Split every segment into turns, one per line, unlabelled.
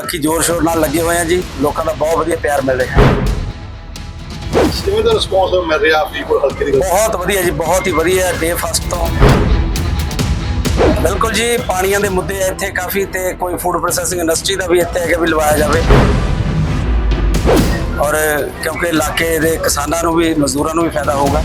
बाकी जोर शोर नाल लगे हुए हैं जी। लोगों का बहुत वधिया प्यार मिल रहा है।
ਕਿਵੇਂ ਦਾ ਰਿਸਪੌਂਸ ਮਿਲ ਰਿਹਾ ਫਰੀਦਕੋਟ ਹਲਕੇ ਦੀ?
बहुत वधिया जी, बहुत ही वधिया डे फस्ट तो बिल्कुल जी। पानियां दे मुद्दे इत्थे काफ़ी ते कोई फूड प्रोसैसिंग इंडस्ट्री का भी इत्थे है कि भी लवाया जाए, और क्योंकि इलाके के किसानों को भी मजदूरों को भी फायदा होगा।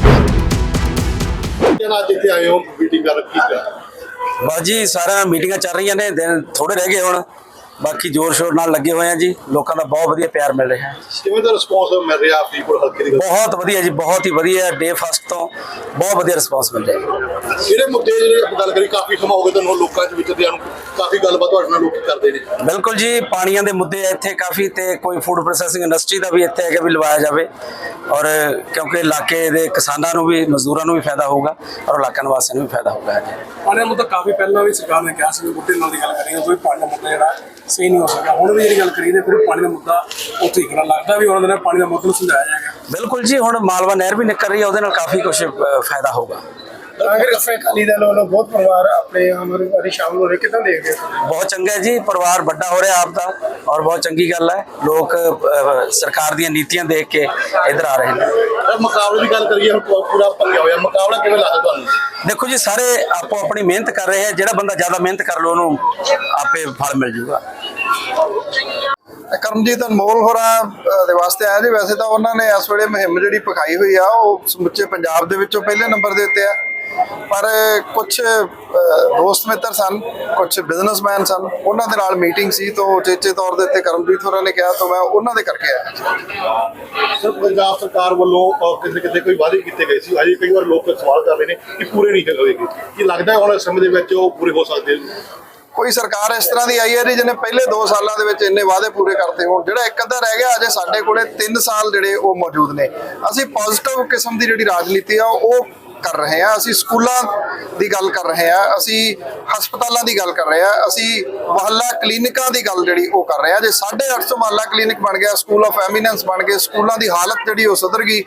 ਅੱਜ ਇੱਥੇ ਆਏ ਹੋ ਮੀਟਿੰਗ ਕਰ ਕੀ ਕਰ?
बस जी सारा मीटिंगां चल रही ने, दिन थोड़े रह गए हुण। बाकी जोर शोर नाल लगे हुए हैं जी। लोगों का बहुत वधिया प्यार मिल रहा है।
ਕਿਵੇਂ ਦਾ ਰਿਸਪੌਂਸ ਮਿਲ ਰਿਹਾ ਫਰੀਦਕੋਟ ਹਲਕੇ ਦੀ?
बहुत वधिया जी, बहुत ही वधिया डे फस्ट तो बहुत वधिया रिस्पॉन्स मिल रहा है।
ਜਿਹੜੇ ਮੁੱਦੇ ਜਿਹੜੇ ਆਪਾਂ ਗੱਲ ਕਰੀ ਕਾਫੀ ਸਮਾਂ ਹੋ ਗਿਆ ਤੁਹਾਨੂੰ ਲੋਕਾਂ ਦੇ ਵਿੱਚ ਨੂੰ ਕਾਫੀ ਗੱਲਬਾਤ ਤੁਹਾਡੇ ਨਾਲ ਲੋਕੀ ਕਰਦੇ ਨੇ।
बिल्कुल जी, पानियां दे मुद्दे इत्थे काफ़ी ते कोई फूड प्रोसैसिंग इंडस्ट्री का भी इत्थे है कि भी लवाया जाए, और क्योंकि इलाके के किसानों को भी मजदूरों को भी फायदा होगा और इलाका निवासियों को भी फायदा होगा।
पानी का मुद्दा काफ़ी पहले भी सरकार ने कहा कि बूटे नाल दी गल करेंगे, कोई पानी का मुद्दा जोड़ा सही नहीं हो सका। हुण भी जी गल करी तो फिर पानी का मुद्दा उत्थे ही करना लगता भी उन्होंने पानी का मुद्दा समझाया जाएगा।
बिल्कुल जी, हुण मालवा नहर भी निकल रही है, उसदे नाल काफ़ी कुछ फायदा होगा।
कांग्रेस अकाली दल वालों बहुत परिवार अपने हमारे शामिल हो रहे, कितना देख रहे?
बहुत चंगा है जी, परिवार बड़ा हो रहा आपका, और बहुत चंगी गल है। लोग सरकार दी नीतियां देख के इधर आ रहे हैं।
ਮੁਕਾਬਲੇ ਦੀ ਗੱਲ ਕਰੀਏ ਹੁਣ ਪੂਰਾ ਭੰਗਿਆ ਹੋਇਆ ਮੁਕਾਬਲਾ ਕਿਵੇਂ ਲੱਗਦਾ ਤੁਹਾਨੂੰ?
देखो जी, सारे आपो अपनी मेहनत कर रहे हैं। जो बंदा ज़्यादा मेहनत कर लो उन्होंने आपे फल मिल जूगा।
ਕਰਮਜੀਤ ਅਨਮੋਲ ਹੋਰਾਂ ਦੇ ਵਾਸਤੇ ਆਇਆ ਜੀ। ਵੈਸੇ ਤਾਂ ਉਹਨਾਂ ਨੇ ਇਸ ਵੇਲੇ ਮੁਹਿੰਮ ਜਿਹੜੀ ਪਖਾਈ ਹੋਈ ਆ ਉਹ ਸਮੁੱਚੇ ਪੰਜਾਬ ਦੇ ਵਿੱਚੋਂ ਪਹਿਲੇ ਨੰਬਰ ਦੇ ਉੱਤੇ ਆ, ਪਰ ਕੁਝ ਦੋਸਤ ਮਿੱਤਰ ਸਨ, ਕੁਝ ਬਿਜ਼ਨਸਮੈਨ ਸਨ, ਉਹਨਾਂ ਦੇ ਨਾਲ ਮੀਟਿੰਗ ਸੀ ਤਾਂ ਉਚੇਚੇ ਤੌਰ ਦੇ ਉੱਤੇ ਕਰਮਜੀਤ ਹੋਰਾਂ ਨੇ ਕਿਹਾ ਤਾਂ ਮੈਂ ਉਹਨਾਂ ਦੇ ਕਰਕੇ ਆਇਆ।
ਸਰ ਪੰਜਾਬ ਸਰਕਾਰ ਵੱਲੋਂ ਕਿਤੇ ਕਿਤੇ ਕੋਈ ਵਾਅਦੇ ਕੀਤੇ ਗਏ ਸੀ, ਅਜੇ ਕਈ ਵਾਰ ਲੋਕ ਸਵਾਲ ਕਰ ਰਹੇ ਨੇ ਕਿ ਪੂਰੇ ਨਹੀਂ ਹੋਏਗੇ। ਕੀ ਲੱਗਦਾ ਹੈ ਹੁਣ ਸਮੇਂ ਦੇ ਵਿੱਚ ਉਹ ਪੂਰੇ ਹੋ ਸਕਦੇ ਨੇ?
ਕੋਈ ਸਰਕਾਰ ਇਸ ਤਰ੍ਹਾਂ ਦੀ ਆਈ ਹੈ ਜੀ ਜਿਹਨੇ ਪਹਿਲੇ 2 ਸਾਲਾਂ ਦੇ ਵਿੱਚ ਇੰਨੇ ਵਾਅਦੇ ਪੂਰੇ ਕਰਤੇ ਹੋਣ। ਜਿਹੜਾ ਇੱਕ ਅੱਧਾ ਰਹਿ ਗਿਆ, ਅਜੇ ਸਾਡੇ ਕੋਲੇ 3 ਸਾਲ ਜਿਹੜੇ ਉਹ ਮੌਜੂਦ ਨੇ। ਅਸੀਂ ਪੋਜ਼ਿਟਿਵ ਕਿਸਮ ਦੀ ਜਿਹੜੀ ਰਾਜਨੀਤੀ ਆ ਉਹ ਕਰ ਰਹੇ ਹਾਂ। ਅਸੀਂ ਸਕੂਲਾਂ ਦੀ ਗੱਲ ਕਰ ਰਹੇ ਹਾਂ, ਅਸੀਂ ਹਸਪਤਾਲਾਂ ਦੀ ਗੱਲ ਕਰ ਰਹੇ ਹਾਂ, ਅਸੀਂ ਮੁਹੱਲਾ ਕਲੀਨਿਕਾਂ ਦੀ ਗੱਲ ਜਿਹੜੀ ਉਹ ਕਰ ਰਹੇ ਹਾਂ। ਜੇ 850 ਮੁਹੱਲਾ ਕਲੀਨਿਕ ਬਣ ਗਿਆ, ਸਕੂਲ ਆਫ ਐਮੀਨੈਂਸ ਬਣ ਗਏ, ਸਕੂਲਾਂ ਦੀ ਹਾਲਤ ਜਿਹੜੀ ਉਹ ਸੁਧਰ ਗਈ,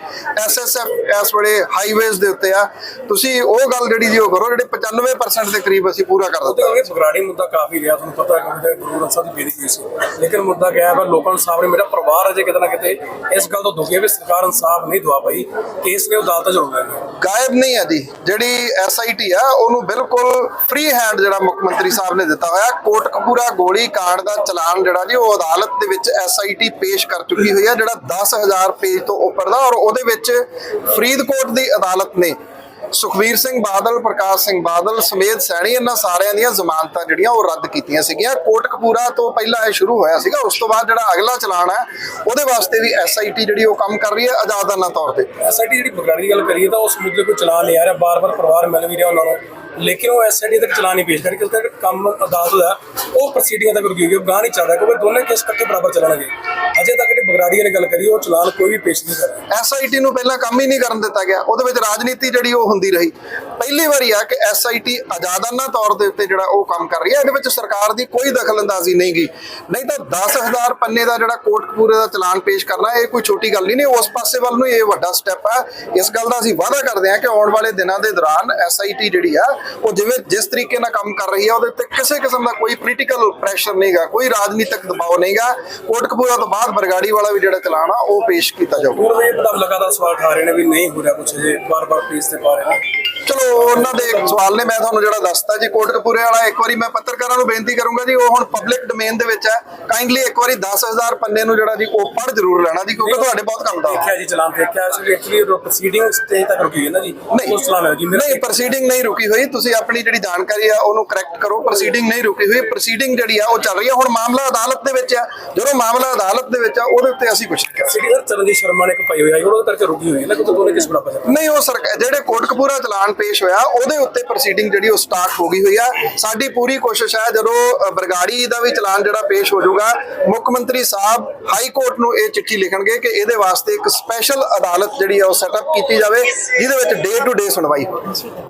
SSF ਇਸ ਵੇਲੇ ਹਾਈਵੇਜ਼ ਦੇ ਉੱਤੇ ਆ, ਤੁਸੀਂ ਉਹ ਗੱਲ ਜਿਹੜੀ ਜੀ ਉਹ ਕਰੋ ਜਿਹੜੇ 95% ਦੇ ਕਰੀਬ ਅਸੀਂ ਪੂਰਾ ਕਰ ਦਿੱਤਾ।
बगराड़ी मुद्दा काफी रहा, ਤੁਹਾਨੂੰ पता है गुरु ग्रंथ साहब की बेदी हुई सी, लेकिन मुद्दा क्या है पर लोगों के सामने मेरा परिवार अजे कितना किते इस गल तो दुखी है भी सरकार इंसाफ नहीं दवा पाई। केस ने अदालत च होना है
ਗਾਇਬ ਨਹੀਂ ਹੈ ਜੀ। ਜਿਹੜੀ SIT ਆ ਉਹਨੂੰ ਬਿਲਕੁਲ ਫ੍ਰੀ ਹੈਂਡ ਜਿਹੜਾ ਮੁੱਖ ਮੰਤਰੀ ਸਾਹਿਬ ਨੇ ਦਿੱਤਾ ਹੋਇਆ। ਕੋਟਕਪੂਰਾ ਗੋਲੀ ਕਾਂਡ ਦਾ ਚਲਾਨ ਜਿਹੜਾ ਜੀ ਉਹ ਅਦਾਲਤ ਦੇ ਵਿੱਚ SIT ਪੇਸ਼ ਕਰ ਚੁੱਕੀ ਹੋਈ ਹੈ, ਜਿਹੜਾ 10,000 ਪੇਜ ਤੋਂ ਉੱਪਰ ਦਾ, ਔਰ ਉਹਦੇ ਵਿੱਚ ਫਰੀਦਕੋਟ ਦੀ ਅਦਾਲਤ ਨੇ ਸੁਖਬੀਰ ਸਿੰਘ ਬਾਦਲ, ਪ੍ਰਕਾਸ਼ ਸਿੰਘ ਬਾਦਲ ਸਮੇਤ ਸੈਣੀ ਇਹਨਾਂ ਸਾਰਿਆਂ ਦੀਆਂ ਜ਼ਮਾਨਤਾਂ ਜਿਹੜੀਆਂ ਉਹ ਰੱਦ ਕੀਤੀਆਂ ਸੀਗੀਆਂ। ਕੋਟਕਪੂਰਾ ਤੋਂ ਪਹਿਲਾਂ ਇਹ ਸ਼ੁਰੂ ਹੋਇਆ ਸੀਗਾ। ਉਸ ਤੋਂ ਬਾਅਦ ਜਿਹੜਾ ਅਗਲਾ ਚਲਾਨ ਹੈ ਉਹਦੇ ਵਾਸਤੇ ਵੀ SIT ਜਿਹੜੀ ਉਹ ਕੰਮ ਕਰ ਰਹੀ ਹੈ ਆਜ਼ਾਦਾਨਾ ਤੌਰ ਤੇ।
SIT ਜਿਹੜੀ बगराड़ी की गल करिए तो उस मुद्दे को चला नहीं आ रहा, बार बार परिवार मिल भी रहा उन्होंने, लेकिन वो SIT तक चला नहीं पेश करके उसका काम अदालत है वो प्रोसीडिंग तक रुकी हुई, गाह नहीं चल रहा क्योंकि दोनों केस इकट्ठे बराबर चलणगे। अजे तक ਜਿਹੜੀ बगराड़ी की गल करिए वो चलान कोई भी पेश नहीं कर रहा।
SIT ਨੂੰ ਪਹਿਲਾਂ ਕੰਮ ਹੀ ਨਹੀਂ ਕਰਨ ਦਿੱਤਾ ਗਿਆ, ਉਹਦੇ ਵਿੱਚ ਰਾਜਨੀਤੀ ਜਿਹੜੀ ਉਹ ਹੁੰਦੀ ਰਹੀ। ਪਹਿਲੀ ਵਾਰੀ ਆ ਕਿ SIT ਆਜ਼ਾਦਾਨਾ ਤੌਰ ਦੇ ਉੱਤੇ ਜਿਹੜਾ ਉਹ ਕੰਮ ਕਰ ਰਹੀ ਹੈ, ਇਹਦੇ ਵਿੱਚ ਸਰਕਾਰ ਦੀ ਕੋਈ ਦਖਲਅੰਦਾਜ਼ੀ ਨਹੀਂ ਗਈ। ਨਹੀਂ ਤਾਂ 10,000 ਪੰਨੇ ਦਾ ਜਿਹੜਾ ਕੋਟਕਪੂਰੇ ਦਾ ਚਲਾਨ ਪੇਸ਼ ਕਰਨਾ ਇਹ ਕੋਈ ਛੋਟੀ ਗੱਲ ਨਹੀਂ। ਉਸ ਪਾਸੇ ਵੱਲ ਨੂੰ ਇਹ ਵੱਡਾ ਸਟੈਪ ਹੈ। ਇਸ ਗੱਲ ਦਾ ਅਸੀਂ ਵਾਅਦਾ ਕਰਦੇ ਹਾਂ ਕਿ ਆਉਣ ਵਾਲੇ ਦਿਨਾਂ ਦੇ ਦੌਰਾਨ SIT ਜਿਹੜੀ ਆ ਉਹ ਜਿਸ ਤਰੀਕੇ ਨਾਲ ਕੰਮ ਕਰ ਰਹੀ ਹੈ ਉਹਦੇ ਉੱਤੇ ਕਿਸੇ ਕਿਸਮ ਦਾ ਕੋਈ ਪੋਲੀਟੀਕਲ ਪ੍ਰੈਸ਼ਰ ਨਹੀਂਗਾ, ਕੋਈ ਰਾਜਨੀਤਿਕ ਦਬਾਅ ਨਹੀਂਗਾ। ਕੋਟਕਪੂਰਾ ਤੋਂ ਬਾਅਦ ਬਰਗਾੜੀ ਵਾਲਾ ਵੀ ਜਿਹੜਾ ਚਲਾਨ ਆ ਉਹ ਪੇਸ਼ ਕੀਤਾ ਜਾਊਗਾ।
और ये मतलब लगातार सवाल उठा रहे हैं भी नहीं हो रहा कुछ, बार बार पेश से पा रहे हैं।
ਚਲੋ ਉਹਨਾਂ ਦੇ ਸਵਾਲ ਨੇ, ਮੈਂ ਤੁਹਾਨੂੰ ਜਿਹੜਾ ਦੱਸਤਾ ਜੀ ਕੋਟਕਪੂਰੇ ਵਾਲਾ। ਇੱਕ ਵਾਰੀ ਮੈਂ ਪੱਤਰਕਾਰਾਂ ਨੂੰ ਬੇਨਤੀ ਕਰੂੰਗਾ ਜੀ, ਉਹ ਹੁਣ ਪਬਲਿਕ ਡੋਮੇਨ ਦੇ ਵਿੱਚ ਹੈ, ਕਾਈਂਡਲੀ ਇੱਕ ਵਾਰੀ 10,000 ਪੰਨੇ ਨੂੰ ਜਿਹੜਾ ਜੀ ਉਹ ਪੜ੍ਹ ਜ਼ਰੂਰ ਲੈਣਾ ਜੀ, ਕਿਉਂਕਿ ਤੁਹਾਡੇ ਬਹੁਤ ਕੰਮ ਦਾ
देखा जी चलान देखा एक्चुअली प्रोसीडिंग स्टेज तक रुकी है ना जी, उस चलान है जी
ਨਹੀਂ। ਪ੍ਰੋਸੀਡਿੰਗ ਨਹੀਂ ਰੁਕੀ ਹੋਈ, ਤੁਸੀਂ ਆਪਣੀ ਜਿਹੜੀ ਜਾਣਕਾਰੀ ਆ ਉਹਨੂੰ ਕਰੈਕਟ ਕਰੋ। ਪ੍ਰੋਸੀਡਿੰਗ ਨਹੀਂ ਰੁਕੀ ਹੋਈ, ਪ੍ਰੋਸੀਡਿੰਗ ਜਿਹੜੀ ਆ ਉਹ ਚੱਲ ਰਹੀ ਹੈ। ਹੁਣ ਮਾਮਲਾ ਅਦਾਲਤ ਦੇ ਵਿੱਚ ਆ, ਜਦੋਂ ਮਾਮਲਾ ਅਦਾਲਤ ਦੇ ਵਿੱਚ ਆ ਉਹਦੇ ਉੱਤੇ ਅਸੀਂ ਕੁਝ ਨਹੀਂ ਕਰ ਸਕਦੇ।
सिटी चरणजीत शर्मा ने पाई हुई है वो करके रुकी हुई है ना, तो दोनों किस बराबर है।
ਨਹੀਂ, ਉਹ ਸਰਕਾਰ ਜਿਹੜੇ ਕੋਟਕਪੂਰਾ ਚਲਾਨ ਪੇਸ਼ ਹੋਇਆ ਉਹਦੇ ਉੱਤੇ ਪ੍ਰੋਸੀਡਿੰਗ ਜਿਹੜੀ ਉਹ ਸਟਾਰਟ ਹੋ ਗਈ ਹੋਈ ਆ। ਸਾਡੀ ਪੂਰੀ ਕੋਸ਼ਿਸ਼ ਹੈ ਜਦੋਂ ਬਰਗਾੜੀ ਦਾ ਵੀ ਚਲਾਨ ਜਿਹੜਾ ਪੇਸ਼ ਹੋ ਜਾਊਗਾ, ਮੁੱਖ ਮੰਤਰੀ ਸਾਹਿਬ ਹਾਈ ਕੋਰਟ ਨੂੰ ਇਹ ਚਿੱਠੀ ਲਿਖਣਗੇ ਕਿ ਇਹਦੇ ਵਾਸਤੇ ਇੱਕ ਸਪੈਸ਼ਲ ਅਦਾਲਤ ਜਿਹੜੀ ਆ ਉਹ ਸੈਟਅਪ ਕੀਤੀ ਜਾਵੇ ਜਿਹਦੇ ਵਿੱਚ ਡੇ ਟੂ ਡੇ ਸੁਣਵਾਈ ਹੋਵੇ।